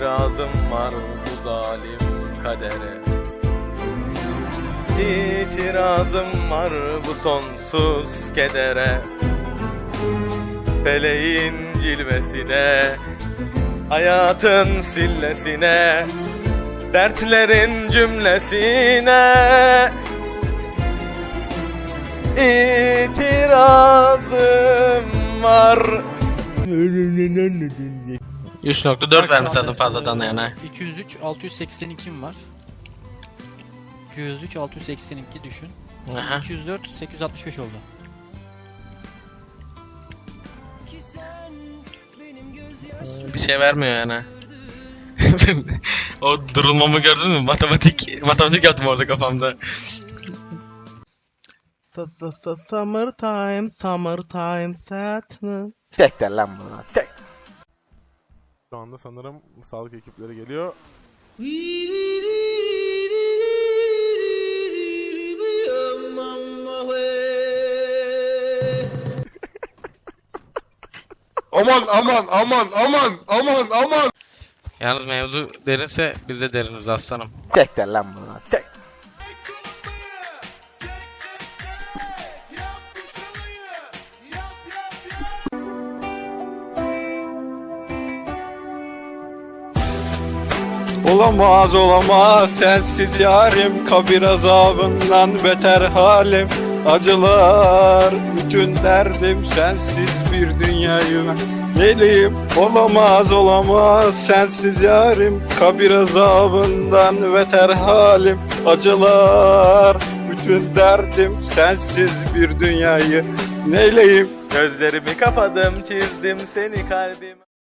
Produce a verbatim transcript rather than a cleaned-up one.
İtirazım var bu zalim kadere. İtirazım var bu sonsuz kedere. Feleğin cilvesine, hayatın sillesine, dertlerin cümlesine İtirazım var. üç nokta dört vermiş lazım fazladan da yani. iki yüz üç altı yüz seksen iki mi var? iki yüz üç altı yüz seksen iki düşün. Aha. iki yüz dört sekiz yüz altmış beş oldu. Bir şey vermiyor yani. O durulmamı gördün mü? Matematik matematik yaptım orada kafamda. Summertime, summertime sadness. Sektir lan bunu. Sek. Şu anda sanırım sağlık ekipleri geliyor. Aman aman aman aman aman aman. Yalnız mevzu derinse biz de deriniz aslanım. Sektir lan bunu. Sek. Olamaz olamaz sensiz yarim, kabir azabından beter halim. Acılar bütün derdim, sensiz bir dünyayı neliyim. Olamaz olamaz sensiz yarim, kabir azabından beter halim. Acılar bütün derdim, sensiz bir dünyayı neyleyim. Gözlerimi kapadım, çizdim seni kalbime.